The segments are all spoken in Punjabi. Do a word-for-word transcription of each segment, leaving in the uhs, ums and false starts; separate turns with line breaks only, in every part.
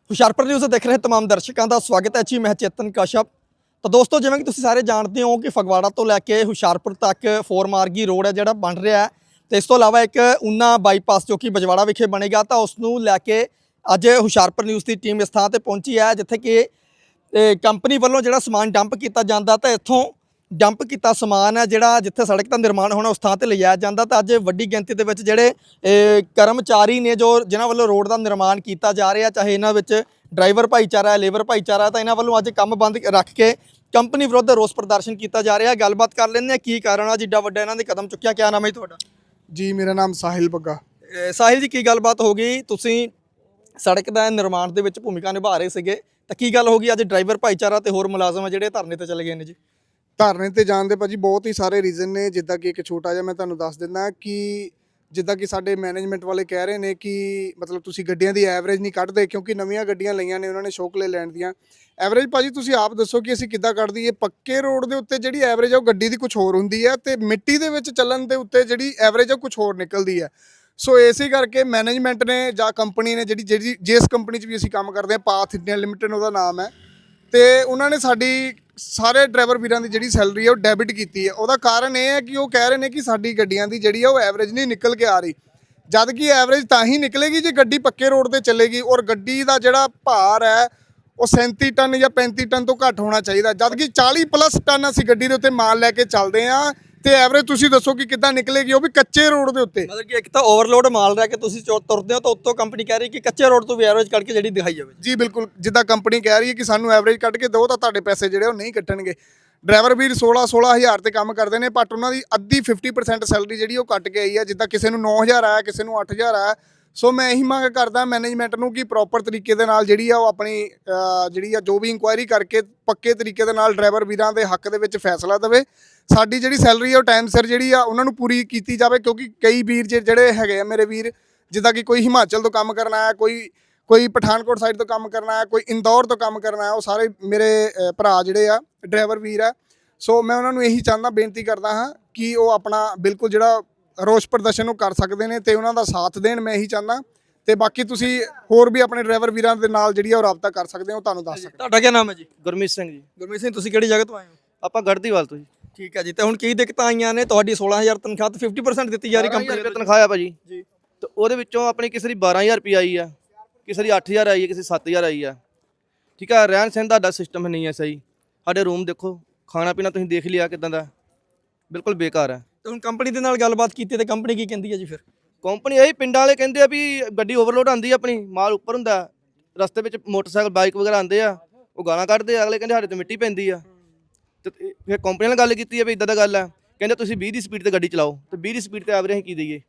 ਹੁਸ਼ਿਆਰਪੁਰ ਨਿਊਜ਼ ਦੇਖ ਰਹੇ तमाम ਦਰਸ਼ਕਾਂ ਦਾ ਸਵਾਗਤ ਹੈ ਜੀ। ਮੈਂ ਚੇਤਨ ਕਸ਼ਪ। ਤਾਂ ਦੋਸਤੋ, ਜਿਵੇਂ ਕਿ ਤੁਸੀਂ ਸਾਰੇ ਜਾਣਦੇ ਹੋ ਕਿ ਫਗਵਾੜਾ ਤੋਂ ਲੈ ਕੇ ਹੁਸ਼ਿਆਰਪੁਰ ਤੱਕ ਫੋਰ ਮਾਰਗੀ ਰੋਡ ਹੈ ਜਿਹੜਾ ਬਣ ਰਿਹਾ ਹੈ, ਤੇ ਇਸ ਤੋਂ ਇਲਾਵਾ ਇੱਕ ਊਨਾ ਬਾਈਪਾਸ ਜੋ ਕਿ ਬਜਵਾੜਾ ਵਿਖੇ ਬਣੇਗਾ, ਤਾਂ ਉਸ ਨੂੰ ਲੈ ਕੇ ਅੱਜ ਹੁਸ਼ਿਆਰਪੁਰ ਨਿਊਜ਼ ਦੀ ਟੀਮ ਇਸ ਥਾਂ ਤੇ ਪਹੁੰਚੀ ਹੈ ਜਿੱਥੇ ਕਿ ਕੰਪਨੀ ਵੱਲੋਂ ਜਿਹੜਾ ਸਮਾਨ ਡੰਪ ਕੀਤਾ ਜਾਂਦਾ, ਤਾਂ ਇੱਥੋਂ ਡੰਪ ਕੀਤਾ ਸਮਾਨ ਹੈ ਜਿਹੜਾ ਜਿੱਥੇ ਸੜਕ ਦਾ ਨਿਰਮਾਣ ਹੋਣਾ ਉਸ ਥਾਂ ਤੇ ਲਿਜਾਇਆ ਜਾਂਦਾ। ਤਾਂ ਅੱਜ ਵੱਡੀ ਗਿਣਤੀ ਦੇ ਵਿੱਚ ਜਿਹੜੇ ਕਰਮਚਾਰੀ ਨੇ ਜੋ ਜਿਨ੍ਹਾਂ ਵੱਲੋਂ ਰੋਡ ਦਾ ਨਿਰਮਾਣ ਕੀਤਾ ਜਾ ਰਿਹਾ, ਚਾਹੇ ਇਹਨਾਂ ਵਿੱਚ ਡਰਾਈਵਰ ਭਾਈਚਾਰਾ ਹੈ, ਲੇਬਰ ਭਾਈਚਾਰਾ, ਤਾਂ ਇਹਨਾਂ ਵੱਲੋਂ ਅੱਜ ਕੰਮ ਬੰਦ ਰੱਖ ਕੇ ਕੰਪਨੀ ਵਿਰੁੱਧ ਰੋਸ ਪ੍ਰਦਰਸ਼ਨ ਕੀਤਾ ਜਾ ਰਿਹਾ। ਗੱਲਬਾਤ ਕਰ ਲੈਂਦੇ ਹਾਂ ਕੀ ਕਾਰਨ ਆ ਜਿੱਡਾ ਵੱਡਾ ਇਹਨਾਂ ਨੇ ਕਦਮ ਚੁੱਕਿਆ। ਕਿਆ ਨਾਮ ਹੈ ਤੁਹਾਡਾ?
ਜੀ ਮੇਰਾ ਨਾਮ ਸਾਹਿਲ ਬੱਗਾ।
ਸਾਹਿਲ ਜੀ, ਕੀ ਗੱਲਬਾਤ ਹੋ ਗਈ? ਤੁਸੀਂ ਸੜਕ ਦਾ ਨਿਰਮਾਣ ਦੇ ਵਿੱਚ ਭੂਮਿਕਾ ਨਿਭਾ ਰਹੇ ਸੀਗੇ, ਤਾਂ ਕੀ ਗੱਲ ਹੋ ਗਈ ਅੱਜ ਡਰਾਈਵਰ ਭਾਈਚਾਰਾ ਤੇ ਹੋਰ ਮੁਲਾਜ਼ਮ ਆ ਜਿਹੜੇ ਧਰਨੇ ਤੇ ਚਲੇ ਗਏ ਨੇ ਜੀ?
ਧਰਨੇ ਤੇ ਜਾਣ ਦੇ ਭਾਜੀ ਬਹੁਤ ਹੀ ਸਾਰੇ ਰੀਜ਼ਨ ਨੇ। ਜਿੱਦਾਂ ਕਿ ਇੱਕ ਛੋਟਾ ਜਿਹਾ ਮੈਂ ਤੁਹਾਨੂੰ ਦੱਸ ਦਿੰਦਾ ਕਿ ਜਿੱਦਾਂ ਕਿ ਸਾਡੇ ਮੈਨੇਜਮੈਂਟ ਵਾਲੇ ਕਹਿ ਰਹੇ ਨੇ ਕਿ ਮਤਲਬ ਤੁਸੀਂ ਗੱਡੀਆਂ ਦੀ ਐਵਰੇਜ ਨਹੀਂ ਕੱਢਦੇ, ਕਿਉਂਕਿ ਨਵੀਆਂ ਗੱਡੀਆਂ ਲਈਆਂ ਨੇ ਉਹਨਾਂ ਨੇ ਸ਼ੌਕ ਲੈ ਲੈਣ ਦੀਆਂ। ਐਵਰੇਜ ਭਾਜੀ ਤੁਸੀਂ ਆਪ ਦੱਸੋ ਕਿ ਅਸੀਂ ਕਿੱਦਾਂ ਕੱਢ ਦਈਏ? ਪੱਕੇ ਰੋਡ ਦੇ ਉੱਤੇ ਜਿਹੜੀ ਐਵਰੇਜ ਆ ਉਹ ਗੱਡੀ ਦੀ ਕੁਝ ਹੋਰ ਹੁੰਦੀ ਹੈ, ਤੇ ਮਿੱਟੀ ਦੇ ਵਿੱਚ ਚੱਲਣ ਦੇ ਉੱਤੇ ਜਿਹੜੀ ਐਵਰੇਜ ਆ ਕੁਝ ਹੋਰ ਨਿਕਲਦੀ ਹੈ। ਸੋ ਇਸੇ ਕਰਕੇ ਮੈਨੇਜਮੈਂਟ ਨੇ ਜਾਂ ਕੰਪਨੀ ਨੇ ਜਿਹੜੀ ਜਿਹੜੀ ਜਿਸ ਕੰਪਨੀ 'ਚ ਵੀ ਅਸੀਂ ਕੰਮ ਕਰਦੇ ਹਾਂ, ਪਾਥ ਇੰਡੀਆ ਲਿਮਿਟਡ ਉਹਦਾ ਨਾਮ ਹੈ, ਤੇ ਉਹਨਾਂ ਨੇ ਸਾਡੀ ਸਾਰੇ ਡਰਾਈਵਰ ਵੀਰਾਂ ਦੀ ਜਿਹੜੀ ਸੈਲਰੀ ਹੈ ਉਹ ਡੈਬਿਟ ਕੀਤੀ ਹੈ। ਉਹਦਾ ਕਾਰਨ ਇਹ ਹੈ ਕਿ ਉਹ ਕਹਿ ਰਹੇ ਨੇ ਕਿ ਸਾਡੀ ਗੱਡੀਆਂ ਦੀ ਜਿਹੜੀ ਆ ਉਹ ਐਵਰੇਜ ਨਹੀਂ ਨਿਕਲ ਕੇ ਆ ਰਹੀ, ਜਦ ਕਿ ਐਵਰੇਜ ਤਾਂ ਹੀ ਨਿਕਲੇਗੀ ਜੇ ਗੱਡੀ ਪੱਕੇ ਰੋਡ ਤੇ ਚੱਲੇਗੀ, ਔਰ ਗੱਡੀ ਦਾ ਜਿਹੜਾ ਭਾਰ ਹੈ ਉਹ ਸੈਂਤੀ ਟਨ ਜਾਂ ਪੈਂਤੀ ਟਨ ਤੋਂ ਘੱਟ ਹੋਣਾ ਚਾਹੀਦਾ, ਜਦ ਕਿ ਚਾਲੀ ਪਲੱਸ ਟਨ ਅਸੀਂ ਗੱਡੀ ਦੇ ਉੱਤੇ ਮਾਲ ਲੈ ਕੇ ਚੱਲਦੇ ਹਾਂ, ਤੇ ਐਵਰੇਜ ਤੁਸੀਂ ਦੱਸੋ ਕਿ ਕਿੱਦਾਂ ਨਿਕਲੇਗੀ, ਉਹ ਵੀ ਕੱਚੇ ਰੋਡ ਦੇ ਉੱਤੇ।
ਮਤਲਬ ਕਿ ਇੱਕ ਤਾਂ ਓਵਰਲੋਡ ਮਾਲ ਰਹਿ ਕੇ ਤੁਸੀਂ ਤੁਰਦੇ ਹੋ, ਤਾਂ ਉੱਤੋਂ ਕੰਪਨੀ ਕਹਿ ਰਹੀ ਕਿ ਕੱਚੇ ਰੋਡ ਤੋਂ ਵੀ ਐਵਰੇਜ ਕੱਢ ਕੇ ਜਿਹੜੀ ਦਿਖਾਈ ਜਾਵੇ।
ਜੀ ਬਿਲਕੁਲ, ਜਿੱਦਾਂ ਕੰਪਨੀ ਕਹਿ ਰਹੀ ਹੈ ਕਿ ਸਾਨੂੰ ਐਵਰੇਜ ਕੱਢ ਕੇ ਦਿਓ, ਤਾਂ ਤੁਹਾਡੇ ਪੈਸੇ ਜਿਹੜੇ ਉਹ ਨਹੀਂ ਕੱਟਣਗੇ। ਡਰਾਈਵਰ ਵੀਰ ਸੋਲਾਂ ਸੋਲਾਂ ਹਜ਼ਾਰ ਤੇ ਕੰਮ ਕਰਦੇ ਨੇ, ਬਟ ਉਹਨਾਂ ਦੀ ਅੱਧੀ ਫਿਫਟੀ ਪਰਸੈਂਟ ਸੈਲਰੀ ਜਿਹੜੀ ਉਹ ਕੱਟ ਕੇ ਆਈ ਹੈ। ਜਿੱਦਾਂ ਕਿਸੇ ਨੂੰ ਨੌ ਹਜ਼ਾਰ ਆਇਆ, ਕਿਸੇ ਨੂੰ ਅੱਠ ਹਜ਼ਾਰ ਆਇਆ। ਸੋ ਮੈਂ ਇਹੀ ਮੰਗ ਕਰਦਾ ਮੈਨੇਜਮੈਂਟ ਨੂੰ ਕਿ ਪ੍ਰੋਪਰ ਤਰੀਕੇ ਦੇ ਨਾਲ ਜਿਹੜੀ ਆ ਉਹ ਆਪਣੀ ਜਿਹੜੀ ਆ ਜੋ ਵੀ ਇਨਕੁਆਇਰੀ ਕਰਕੇ ਪੱਕੇ ਤਰੀਕੇ ਦੇ ਨਾਲ ਡਰਾਈਵਰ ਵੀਰਾਂ ਦੇ ਹੱਕ ਦੇ ਵਿੱਚ ਫੈਸਲਾ ਦੇਵੇ। ਸਾਡੀ ਜਿਹੜੀ ਸੈਲਰੀ ਆ ਉਹ ਟਾਈਮ ਸਿਰ ਜਿਹੜੀ ਆ ਉਹਨਾਂ ਨੂੰ ਪੂਰੀ ਕੀਤੀ ਜਾਵੇ, ਕਿਉਂਕਿ ਕਈ ਵੀਰ ਜਿਹੜੇ ਹੈਗੇ ਆ ਮੇਰੇ ਵੀਰ, ਜਿੱਦਾਂ ਕਿ ਕੋਈ ਹਿਮਾਚਲ ਤੋਂ ਕੰਮ ਕਰਨ ਆਇਆ, ਕੋਈ ਕੋਈ ਪਠਾਨਕੋਟ ਸਾਈਡ ਤੋਂ ਕੰਮ ਕਰਨਾ ਹੈ, ਕੋਈ ਇੰਦੌਰ ਤੋਂ ਕੰਮ ਕਰਨਾ ਹੈ, ਉਹ ਸਾਰੇ ਮੇਰੇ ਭਰਾ ਜਿਹੜੇ ਆ ਡਰਾਈਵਰ ਵੀਰ ਆ। ਸੋ ਮੈਂ ਉਹਨਾਂ ਨੂੰ ਇਹੀ ਚਾਹੁੰਦਾ, ਬੇਨਤੀ ਕਰਦਾ ਹਾਂ ਕਿ ਉਹ ਆਪਣਾ ਬਿਲਕੁਲ ਜਿਹੜਾ ਰੋਸ ਪ੍ਰਦਰਸ਼ਨ ਉਹ ਕਰ ਸਕਦੇ ਨੇ ਤੇ ਉਹਨਾਂ ਦਾ ਸਾਥ ਦੇਣ, ਮੈਂ ਇਹੀ ਚਾਹੁੰਦਾ। ਤੇ ਬਾਕੀ ਤੁਸੀਂ ਹੋਰ ਵੀ ਆਪਣੇ ਡਰਾਈਵਰ ਵੀਰਾਂ ਦੇ ਨਾਲ ਜਿਹੜੀ ਆ ਉਹ ਰਾਬਤਾ ਕਰ ਸਕਦੇ ਹੋ, ਤੁਹਾਨੂੰ ਦੱਸ ਸਕਦੇ।
ਤੁਹਾਡਾ ਕੀ ਨਾਮ ਹੈ ਜੀ?
ਗੁਰਮੀਤ ਸਿੰਘ ਜੀ।
ਗੁਰਮੀਤ ਸਿੰਘ, ਤੁਸੀਂ ਕਿਹੜੀ ਜਗ੍ਹਾ ਤੋਂ ਆਏ ਹੋ?
ਆਪਾਂ ਗੜਦੀਵਾਲ ਤੋਂ ਜੀ।
ਠੀਕ ਹੈ ਜੀ। ਤੇ ਹੁਣ ਕੀ ਦਿੱਕਤਾਂ ਆਈਆਂ ਨੇ? ਤੁਹਾਡੀ ਸੋਲਾਂ ਹਜ਼ਾਰ ਤਨਖਾਹ ਤੇ ਫਿਫਟੀ ਪਰਸੈਂਟ ਦਿੱਤੀ ਜਾ ਰਹੀ ਕੰਪਨੀ
ਰੁਪਏ ਤਨਖਾਹ ਆ ਭਾਜੀ
ਜੀ,
ਤੇ ਉਹਦੇ ਵਿੱਚੋਂ ਆਪਣੀ ਕਿਸੇ ਦੀ ਬਾਰਾਂ ਹਜ਼ਾਰ ਰੁਪਏ ਆਈ ਆ, ਕਿਸੇ ਦੀ ਅੱਠ ਹਜ਼ਾਰ ਆਈ ਹੈ, ਕਿਸੇ ਸੱਤ ਹਜ਼ਾਰ ਆਈ ਆ। ਠੀਕ ਆ, ਰਹਿਣ ਸਹਿਣ ਦਾ ਸਿਸਟਮ ਨਹੀਂ ਹੈ ਸਹੀ। ਸਾਡੇ ਰੂਮ ਦੇਖੋ, ਖਾਣਾ ਪੀਣਾ ਤੁਸੀਂ ਦੇਖ ਲਿਆ ਕਿਦਾਂ ਦਾ, ਬਿਲਕੁਲ ਬੇਕਾਰ ਹੈ।
ਤੇ ਹੁਣ ਕੰਪਨੀ ਦੇ ਨਾਲ ਗੱਲਬਾਤ ਕੀਤੀ ਤੇ ਕੰਪਨੀ ਕੀ ਕਹਿੰਦੀ ਹੈ ਜੀ? ਫਿਰ
ਕੰਪਨੀ ਇਹੀ ਪਿੰਡਾਂ ਵਾਲੇ ਕਹਿੰਦੇ ਆ ਵੀ ਗੱਡੀ ਓਵਰਲੋਡ ਆਉਂਦੀ, ਆਪਣੀ ਮਾਲ ਉੱਪਰ ਹੁੰਦਾ, ਰਸਤੇ ਵਿੱਚ ਮੋਟਰਸਾਈਕਲ ਬਾਈਕ ਵਗੈਰਾ ਆਉਂਦੇ ਆ, ਉਹ ਗਾਲਾਂ ਕੱਢਦੇ ਆ, ਅਗਲੇ ਕਹਿੰਦੇ ਸਾਡੇ ਤੇ ਮਿੱਟੀ ਪੈਂਦੀ ਆ। ਤੇ ਫਿਰ ਕੰਪਨੀ ਨਾਲ ਗੱਲ ਕੀਤੀ ਹੈ ਵੀ ਇਦਾਂ ਦਾ ਗੱਲ ਆ, ਕਹਿੰਦੇ ਤੁਸੀਂ ਵੀਹ ਦੀ ਸਪੀਡ ਤੇ ਗੱਡੀ ਚਲਾਓ, ਤੇ ਵੀਹ ਦੀ ਸਪੀਡ ਤੇ ਐਵਰੇਜ ਅਸੀਂ ਕੀ ਦਈਏ?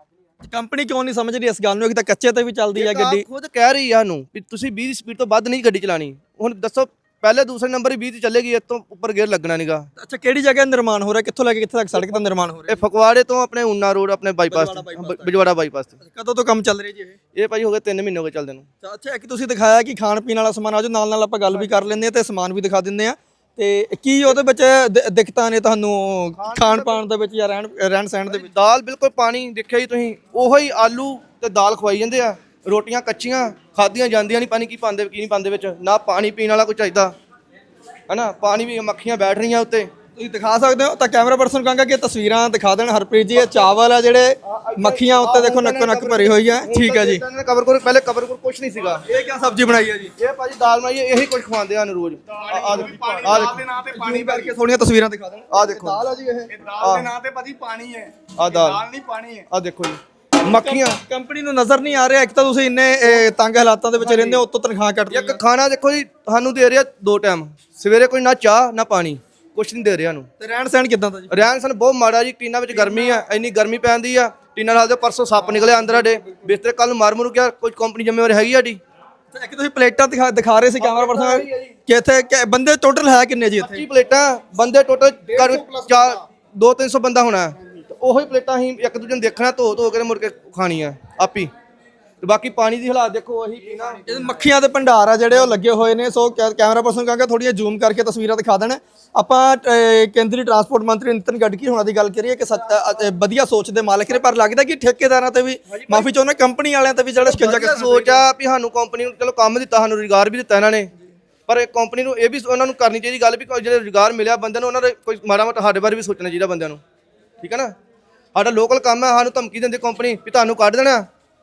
ਕੰਪਨੀ ਕਿਉਂ ਨਹੀਂ ਸਮਝ ਰਹੀ ਇਸ ਗੱਲ ਨੂੰ ਕਿ ਤਾਂ ਕੱਚੇ ਤੇ ਵੀ ਚੱਲਦੀ ਹੈ ਗੱਡੀ?
ਖੁਦ ਕਹਿ ਰਹੀ ਆ ਸਾਨੂੰ ਵੀ ਤੁਸੀਂ ਵੀਹ ਦੀ ਸਪੀਡ ਤੋਂ ਵੱਧ ਨਹੀਂ ਗੱਡੀ ਚਲਾਣੀ। ਹੁਣ ਦੱਸੋ, ਪਹਿਲੇ ਦੂਸਰੇ ਨੰਬਰ ਹੀ ਵੀਹ ਤੇ ਚੱਲੇਗੀ, ਇਸ ਤੋਂ ਉੱਪਰ ਗੇਅਰ ਲੱਗਣਾ ਨਹੀਂਗਾ।
ਅੱਛਾ, ਕਿਹੜੀ ਜਗ੍ਹਾ ਨਿਰਮਾਣ ਹੋ ਰਿਹਾ? ਕਿੱਥੋਂ ਲੈ ਕੇ ਕਿੱਥੇ ਤੱਕ ਸੜਕ ਦਾ ਨਿਰਮਾਣ ਹੋ ਰਿਹਾ?
ਇਹ ਫਗਵਾੜੇ ਤੋਂ ਆਪਣੇ ਊਨਾ ਰੋਡ, ਆਪਣੇ ਬਾਈਪਾਸ, ਬਜਵਾੜਾ ਬਾਈਪਾਸ ਤੇ।
ਕਦੋਂ ਤੋਂ ਕੰਮ ਚੱਲ ਰਿਹਾ ਜੀ ਇਹ?
ਇਹ ਭਾਜੀ ਹੋ ਗਏ ਤਿੰਨ ਮਹੀਨੇ ਹੋ ਗਏ ਚੱਲਦੇ ਨੂੰ।
ਅੱਛਾ, ਇੱਕ ਤੁਸੀਂ ਦਿਖਾਇਆ ਕਿ ਖਾਣ ਪੀਣ ਵਾਲਾ ਸਮਾਨ, ਆਜੋ ਨਾਲ ਨਾਲ ਆਪਾਂ ਗੱਲ ਵੀ ਕਰ ਲੈਂਦੇ ਹਾਂ ਤੇ ਸਮਾਨ ਵੀ ਦਿਖਾ ਦਿੰਦੇ ਆ। ਤੇ ਕੀ ਉਹਦੇ ਵਿੱਚ ਦਿੱਕਤਾਂ ਨੇ ਤੁਹਾਨੂੰ ਖਾਣ ਪਾਣ ਦੇ ਵਿੱਚ ਜਾਂ ਰਹਿਣ ਰਹਿਣ ਸਹਿਣ ਦੇ ਵਿੱਚ?
ਦਾਲ ਬਿਲਕੁਲ ਪਾਣੀ ਦੇਖਿਆ ਜੀ ਤੁਸੀਂ, ਉਹੋ ਹੀ ਆਲੂ ਤੇ ਦਾਲ ਖਵਾਈ ਜਾਂਦੇ ਆ, ਰੋਟੀਆਂ ਕੱਚੀਆਂ ਖਾਧੀਆਂ ਜਾਂਦੀਆਂ ਨਹੀਂ, ਪਾਣੀ ਕੀ ਪਾਉਂਦੇ ਕੀ ਨਹੀਂ ਪਾਉਂਦੇ ਵਿੱਚ, ਨਾ ਪਾਣੀ ਪੀਣ ਵਾਲਾ ਕੋਈ ਚਾਹੀਦਾ ਹੈ ਨਾ, ਪਾਣੀ ਵੀ ਮੱਖੀਆਂ ਬੈਠ ਰਹੀਆਂ ਉੱਤੇ।
ਤੁਸੀਂ ਦਿਖਾ ਸਕਦੇ ਹੋ ਤਾਂ ਕੈਮਰਾ ਪਰਸਨ ਕਹਾਂਗਾ ਕਿ ਤਸਵੀਰਾਂ ਦਿਖਾ ਦੇਣ ਹਰਪ੍ਰੀਤ ਜੀ। ਇਹ ਚਾਵਲ ਆ ਜਿਹੜੇ ਮੱਖੀਆਂ ਉੱਤੇ ਦੇਖੋ ਨੱਕੋ ਨੱਕ ਭਰੀ ਹੋਈ ਹੈ। ਠੀਕ ਹੈ ਜੀ।
ਕਵਰ ਕੋਲ ਪਹਿਲੇ ਕਵਰ ਕੋਲ ਕੁਝ ਨਹੀਂ ਸੀਗਾ।
ਇਹ ਕੀ ਸਬਜ਼ੀ ਬਣਾਈ ਹੈ ਜੀ?
ਇਹ ਭਾਜੀ ਦਾਲ ਬਣਾਈ ਹੈ, ਇਹੀ ਕੁਝ ਖਵਾਉਂਦੇ ਆ ਰੋਜ਼। ਆ ਦੇਖੋ, ਆ ਦੇਖੋ,
ਪਾਣੀ ਭਰ ਕੇ ਥੋੜੀਆਂ ਤਸਵੀਰਾਂ ਦਿਖਾ ਦੇਣ।
ਆ ਦੇਖੋ,
ਦਾਲ ਆ ਜੀ, ਇਹ
ਦਾਲ ਦੇ ਨਾਂ ਤੇ ਭਾਜੀ ਪਾਣੀ ਹੈ,
ਆ ਦਾਲ
ਨਹੀਂ ਪਾਣੀ ਹੈ।
ਆ ਦੇਖੋ ਜੀ, ਮੱਖੀਆਂ।
ਕੰਪਨੀ ਨੂੰ ਨਜ਼ਰ ਨਹੀਂ ਆ ਰਿਹਾ, ਇੱਕ ਤਾਂ ਤੁਸੀਂ ਇੰਨੇ ਤੰਗ ਹਾਲਾਤਾਂ ਦੇ ਵਿੱਚ ਰਹਿੰਦੇ ਹੋ, ਉੱਤੋਂ ਤਨਖਾਹ ਕੱਟਦੇ
ਇੱਕ ਖਾਣਾ ਦੇਖੋ ਜੀ ਸਾਨੂੰ ਦੇ ਰਿਹਾ ਦੋ ਟਾਈਮ, ਸਵੇਰੇ ਕੋਈ ਨਾ ਚਾਹ ਨਾ ਪਾਣੀ, ਕੁਛ ਨਹੀਂ ਦੇ ਰਿਹਾ ਨੂੰ।
ਤੇ ਰਹਿਣ ਸਹਿਣ ਕਿਦਾਂ ਦਾ ਜੀ?
ਰਹਿਣ ਸਹਿਣ ਬਹੁਤ ਮਾੜਾ ਜੀ। ਟੀਨਾਂ ਵਿੱਚ ਗਰਮੀ ਆ, ਇੰਨੀ ਗਰਮੀ ਪੈਂਦੀ ਆ, ਟੀਨਾਂ ਨਾਲ ਦੇ ਪਰਸੋਂ ਸੱਪ ਨਿਕਲਿਆ ਅੰਦਰ ਸਾਡੇ ਬਿਸਤਰੇ, ਕੱਲ ਨੂੰ ਮਰ ਮੁਰ ਗਿਆ। ਕੋਈ ਕੰਪਨੀ ਜ਼ਿੰਮੇਵਾਰ ਹੈਗੀ ਸਾਡੀ?
ਇੱਕ ਤੁਸੀਂ ਪਲੇਟਾਂ ਦਿਖਾ ਦਿਖਾ ਰਹੇ ਸੀ ਕੈਮਰਾ ਪਰਸਨ ਕਿ ਇੱਥੇ ਬੰਦੇ ਟੋਟਲ ਹੈ ਕਿੰਨੇ ਜੀ ਇੱਥੇ?
ਪੱਚੀ ਪਲੇਟਾਂ, ਬੰਦੇ ਟੋਟਲ ਚਾਰ ਦੋ ਤਿੰਨ ਸੌ ਬੰਦਾ ਹੋਣਾ। ਉਹੀ ਪਲੇਟਾਂ ਅਸੀਂ ਇੱਕ ਦੂਜੇ ਨੂੰ ਦੇਖਣਾ, ਧੋ ਧੋ ਕੇ ਮੁੜ ਕੇ ਖਾਣੀਆਂ ਆਪੀ। ਤੇ ਬਾਕੀ ਪਾਣੀ ਦੀ ਹਾਲਾਤ ਦੇਖੋ ਉਹੀ ਪੀਣਾ।
ਇਹ ਮੱਖੀਆਂ ਦੇ ਭੰਡਾਰ ਆ ਜਿਹੜੇ ਉਹ ਲੱਗੇ ਹੋਏ ਨੇ। ਸੋ ਕੈ- ਕੈਮਰਾ ਪਰਸਨ ਕਹਾਂਗਾ ਥੋੜੀਆਂ ਜ਼ੂਮ ਕਰਕੇ ਤਸਵੀਰਾਂ ਦਿਖਾ ਦੇਣ। ਆਪਾਂ ਅਹ, ਕੇਂਦਰੀ ਟਰਾਂਸਪੋਰਟ ਮੰਤਰੀ ਨਿਤਨ ਗਡਕਰੀ ਹੋਣਾ ਦੀ ਗੱਲ ਕਰੀਏ ਕਿ ਸੱਚ- ਅ- ਅ- ਵਧੀਆ ਸੋਚ ਦੇ ਮਾਲਕ ਨੇ, ਪਰ ਲੱਗਦਾ ਕਿ ਠੇਕੇਦਾਰਾਂ ਤੇ ਵੀ ਮਾਫੀ ਚਾਹੁੰਦਾ, ਕੰਪਨੀ ਵਾਲਿਆਂ ਤੇ ਵੀ ਜਿਹੜਾ ਸ਼ਿਕੰਜਾ
ਵਧੀਆ ਸੋਚ ਆ ਵੀ ਸਾਨੂੰ ਕੰਪਨੀ ਨੂੰ ਚਲੋ ਕੰਮ ਦਿੱਤਾ, ਸਾਨੂੰ ਰੁਜ਼ਗਾਰ ਵੀ ਦਿੱਤਾ ਇਹਨਾਂ ਨੇ, ਪਰ ਇਹ ਕੰਪਨੀ ਨੂੰ ਇਹ ਵੀ ਉਹਨਾਂ ਨੂੰ ਕਰਨੀ ਚਾਹੀਦੀ ਗੱਲ ਵੀ ਕੋਈ ਜਿਹੜੇ ਰੁਜ਼ਗਾਰ ਮਿਲਿਆ ਬੰਦਿਆਂ ਨੂੰ ਉਹਨਾਂ ਦੇ ਕੋਈ ਮਾੜਾ ਮੋਟਾ ਸਾਡੇ ਬਾਰੇ ਵੀ ਸੋਚਣਾ ਚਾਹੀਦਾ ਬੰਦਿਆਂ ਨੂੰ, ਠੀਕ ਹੈ ਨਾ। ਸਾਡਾ ਲੋਕਲ ਕੰਮ ਹੈ, ਸਾਨੂੰ ਧਮਕੀ ਦਿੰਦੇ ਕੰਪਨੀ ਵੀ ਤੁਹਾਨੂੰ ਕੱਢ ਦੇਣਾ